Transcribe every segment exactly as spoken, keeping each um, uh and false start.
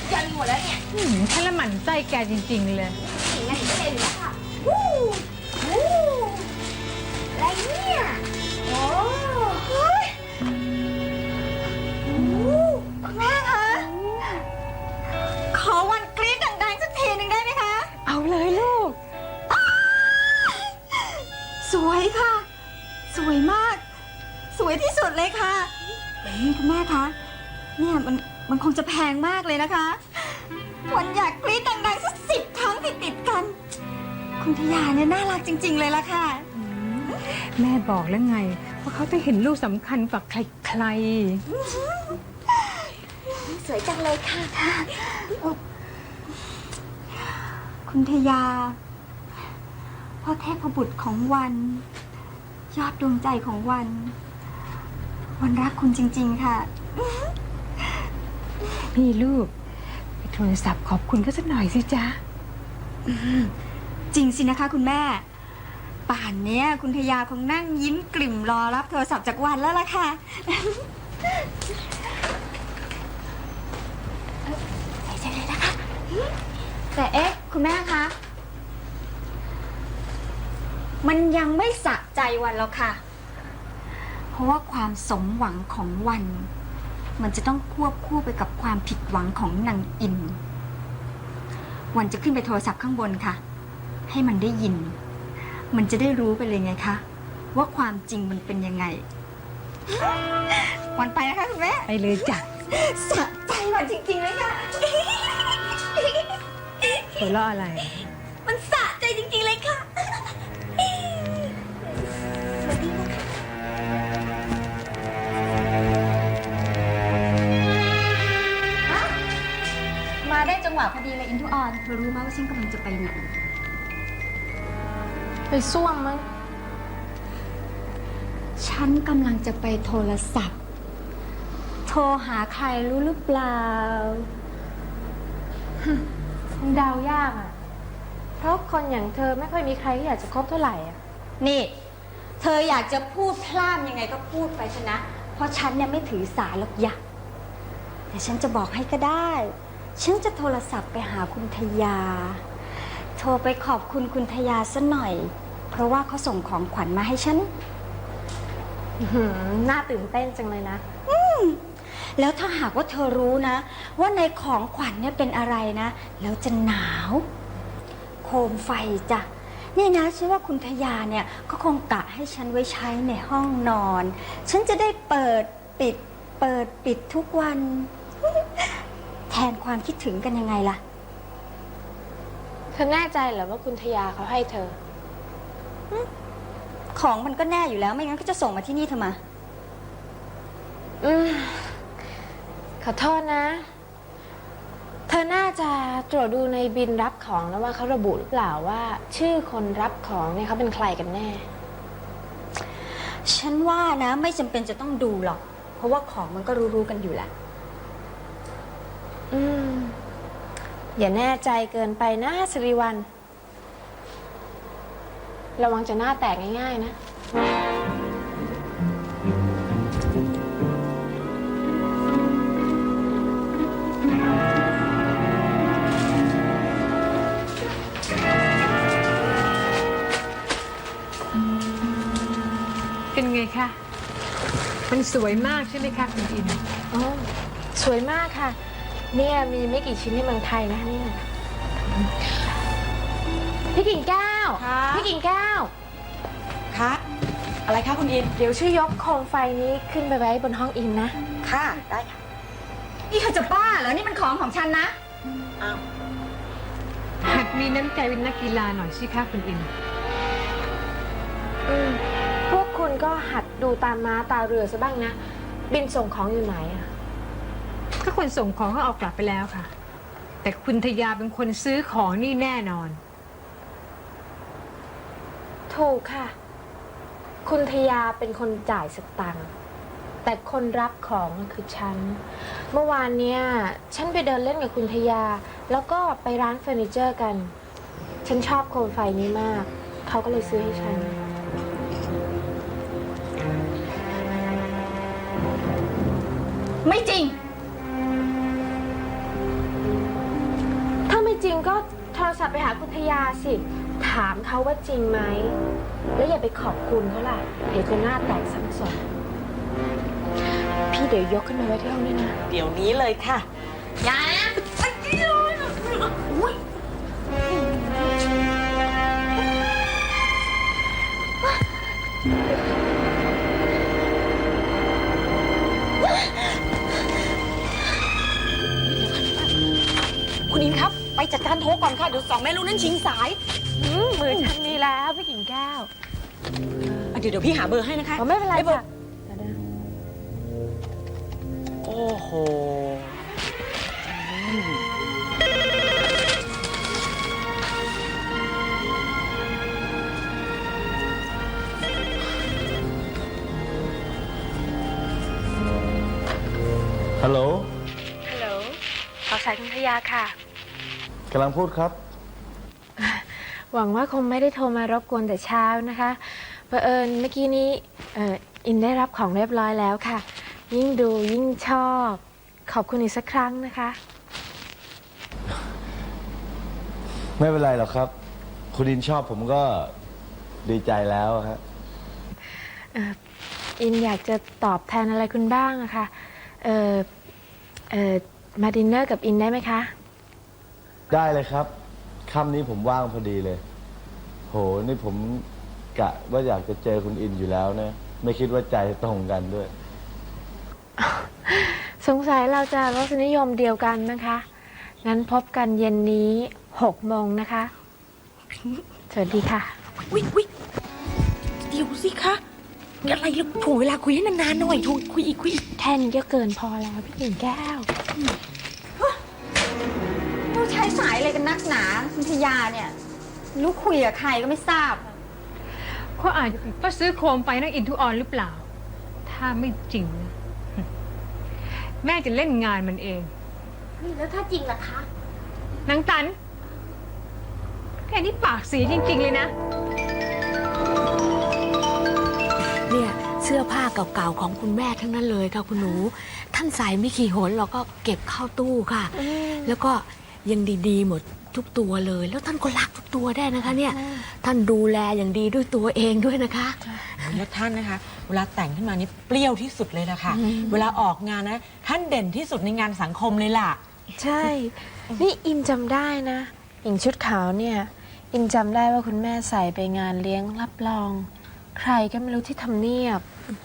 ยันหมดแล้วเนี่ยฉันละหมั่นไส้แกจริงๆเลยงั้นก็เลยแล้วค่ะวู้วู้อะไรเนี่ยโอ้เฮ้ยแม่คะขอวันกรี๊ดดังๆสักทีหนึ่งได้ไหมคะเอาเลยลูกสวยค่ะสวยมากสวยที่สุดเลยค่ะนี่คุณแม่คะเนี่ยมันมันคงจะแพงมากเลยนะคะวันอยากกรี๊ดดังๆสักสิบครั้งติดๆกันคุณทยาเนี่ยน่ารักจริงๆเลยล่ะค่ะแม่บอกแล้วไงว่าเขาจะเห็นลูกสำคัญกว่าใครๆสวยจังเลยค่ะคุณทยาพ่อเทพบุตรของวันยอดดวงใจของวันวันรักคุณจริงๆค่ะนี่ลูกไปโทรศัพท์ขอบคุณก็สักหน่อยสิจ๊ะจริงสินะคะคุณแม่ป่านนี้คุณทยาคงนั่งยิ้มกลิ่มรอรับโทรศัพท์จากวันแล้วล่ะค่ะใส่ใจเลยนะคะแต่เอ๊ะคุณแม่คะมันยังไม่สะใจวันแล้วค่ะเพราะว่าความสมหวังของวันมันจะต้องควบคู่ไปกับความผิดหวังของนางอินวันจะขึ้นไปโทรศัพท์ข้างบนค่ะให้มันได้ยินมันจะได้รู้ไปเลยไงคะว่าความจริงมันเป็นยังไงวันไปนะคะคุณแม่ไปเลยจ้ะสะใจวันจริงๆเลยค่ะหัวเราะอะไรมันสะใจจริงๆเลยค่ะมาได้จังหวะพอดีเลยอินทุออนเธอรู้ไหมว่าฉันกำลังจะไปไหนไปซ่วมมั้งฉันกำลังจะไปโทรศัพท์โทรหาใครรู้หรือเปล่าคงเดายากอ่ะเพราะคนอย่างเธอไม่ค่อยมีใครที่อยากจะคบเท่าไหร่อ่ะนี่เธออยากจะพูดพล่ามยังไงก็พูดไปชนะเพราะฉันเนี่ยไม่ถือสาหรอกอยากแต่ฉันจะบอกให้ก็ได้ฉันจะโทรศัพท์ไปหาคุณทยาโทรไปขอบคุณคุณทยาซะหน่อยเพราะว่าเขาส่งของขวัญมาให้ฉันน่าตื่นเต้นจังเลยนะอืมแล้วถ้าหากว่าเธอรู้นะว่าในของขวัญเนี่ยเป็นอะไรนะแล้วจะหนาวโคมไฟจ้ะนี่นะฉันว่าคุณทยาเนี่ยก็คงกะให้ฉันไว้ใช้ในห้องนอนฉันจะได้เปิดปิดเปิดปิดทุกวันแทนความคิดถึงกันยังไงล่ะเธอแน่ใจเหรอว่าคุณทยาเขาให้เธอของมันก็แน่อยู่แล้วไม่งั้นก็จะส่งมาที่นี่ทำไมอืมขอโทษนะเธอน่าจะตรวจดูในบินรับของแล้วว่าเขาระบุหรือเปล่าว่าชื่อคนรับของเนี่ยเขาเป็นใครกันแน่ฉันว่านะไม่จำเป็นจะต้องดูหรอกเพราะว่าของมันก็รู้ๆกันอยู่แหละอืมอย่าแน่ใจเกินไปนะสิริวัลระวังจะหน้าแตกง่ายๆนะเป็นไงคะมันสวยมากใช่ไหมคะคุณอินอ๋อสวยมากค่ะเนี่ยมีไม่กี่ชิ้นในเมืองไทยนะเนี่ยพี่กิ่งแก้วพี่กิ่งแก้วคะอะไรคะคุณอินเดี๋ยวช่วยยกโคมไฟนี้ขึ้นไปไว้บนห้องอินนะค่ะได้ค่ะนี่เธอจะบ้าเหรอนี่มันของของฉันนะอ้าวหัดมีน้ำใจเป็นนักกีฬาหน่อยสิคะคุณอินอืมพวกคุณก็หัดดูตามม้าตาเรือซะบ้างนะบินส่งของอยู่ไหนอะก็คนส่งของเขาเอากลับไปแล้วค่ะแต่คุณทยาเป็นคนซื้อของนี่แน่นอนถูกค่ะคุณทยาเป็นคนจ่ายสตังค์แต่คนรับของคือฉันเมื่อวานเนี้ยฉันไปเดินเล่นกับคุณทยาแล้วก็ไปร้านเฟอร์นิเจอร์กันฉันชอบโคมไฟนี้มากเขาก็เลยซื้อให้ฉันไม่จริงก็โทรศัพท์ไปหาคุณทยาสิ ถามเขาว่าจริงไหม แล้วอย่าไปขอบคุณเขาล่ะ เดี๋ยวจะหน้าแตกซ้ำซ้อนพี่เดี๋ยวยกขึ้นมาไว้ที่ห้องนี่นะเดี๋ยวนี้เลยค่ะยายนะอุ้ยคุณอินครับ ไปจัดการโทรก่อนค่ะ เดี๋ยวสองแม่ลูกนั้นชิงสายอืมมือฉันนี่แล้วพี่กิ่งแก้วอ่ะเดี๋ยวเดี๋ยวพี่หาเบอร์ให้นะคะอ๋อไม่เป็นไรบอค่ะโอ้โหฮัลโหลฮัลโหลขอสายคุณทยาค่ะกำลังพูดครับหวังว่าคงไม่ได้โทรมารบกวนแต่เช้านะคะเผอิญเมื่อกี้นี้เอ่ออินได้รับของเรียบร้อยแล้วค่ะ ยิ่งดูยิ่งชอบ ขอบคุณอีกสักครั้งนะคะไม่เป็นไรหรอกครับ คุณดินชอบผมก็ดีใจแล้วฮะอินอยากจะตอบแทนอะไรคุณบ้างอะค่ะเออเออมาดินเนอร์กับอินได้ไหมคะได้เลยครับค่ำนี้ผมว่างพอดีเลย โห นี่ผมกะว่าอยากจะเจอคุณอินอยู่แล้วนะ ไม่คิดว่าใจตรงกันด้วยสงสัยเราจะรสนิยมเดียวกันนะคะ งั้นพบกันเย็นนี้หกโมงนะคะ สวัสดีค่ะวิวิเดี๋ยวสิคะอะไรเราถ่วงเวลาคุยให้นานๆหน่อยถูกคุยอีกคุยอีกแค่นี้ก็เกินพอแล้วพี่กิ่งแก้วต้องใช้สายอะไรกันนักหนาคุณทยาเนี่ยลูกคุยกับใครก็ไม่ทราบเขาอาจจะก็ซื้อโคมไฟนักอินทุออนหรือเปล่า ถ้าไม่จริงนะแม่จะเล่นงานมันเองแล้วถ้าจริงล่ะคะนางตันแค่นี้ปากเสียจริง ๆ เลยนะเนี่ยเสื้อผ้าเก่าๆของคุณแม่ทั้งนั้นเลยค่ะคุณหนู ท่านใส่ไม่ขี่หนเราก็เก็บเข้าตู้ค่ะ แล้วก็ยังดีๆหมดทุกตัวเลย แล้วท่านก็รักทุกตัวได้นะคะ เนี่ย ท่านดูแลอย่างดีด้วยตัวเองด้วยนะคะแล้วท่านนะคะ เวลาแต่งขึ้นมานี่เปรี้ยวที่สุดเลยนะคะ เวลาออกงานนะ ท่านเด่นที่สุดในงานสังคมเลยล่ะใช่ นี่อินจำได้นะอย่างชุดขาวเนี่ย อินจำได้ว่าคุณแม่ใส่ไปงานเลี้ยงรับรอง ใครก็ไม่รู้ที่ทำเนียบ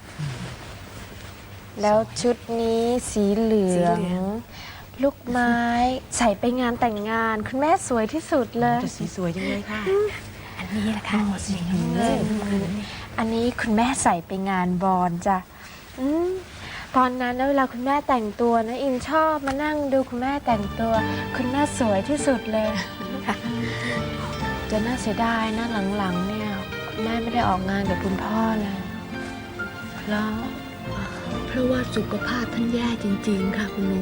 แล้วชุดนี้สีเหลือง ลูกไม้ใส่ไปงานแต่งงาน คุณแม่สวยที่สุดเลยแต่สีสวยจังเลยค่ะอันนี้แหละค่ะสีน้ำเงินอันนี้คุณแม่ใส่ไปงานบอลจ้ะอืมตอนนั้นนะเวลาคุณแม่แต่งตัวนะอินชอบมานั่งดูคุณแม่แต่งตัว คุณแม่สวยที่สุดเลยจะน่าเสียดายนะหลังๆเนี่ยคุณแม่ไม่ได้ออกงานกับคุณพ่อเลยแล้วเพราะว่าสุขภาพท่านแย่จริงๆค่ะคุณหนู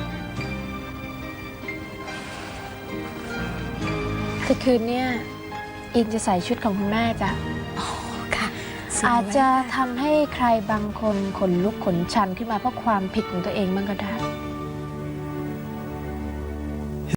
คือคืนเนี่ยอินจะใส่ชุดของคุณแม่จ้ะค่ะอาจจะทำให้ใครบางคนขนลุกขนชันขึ้นมาเพราะความผิดของตัวเองบ้างก็ได้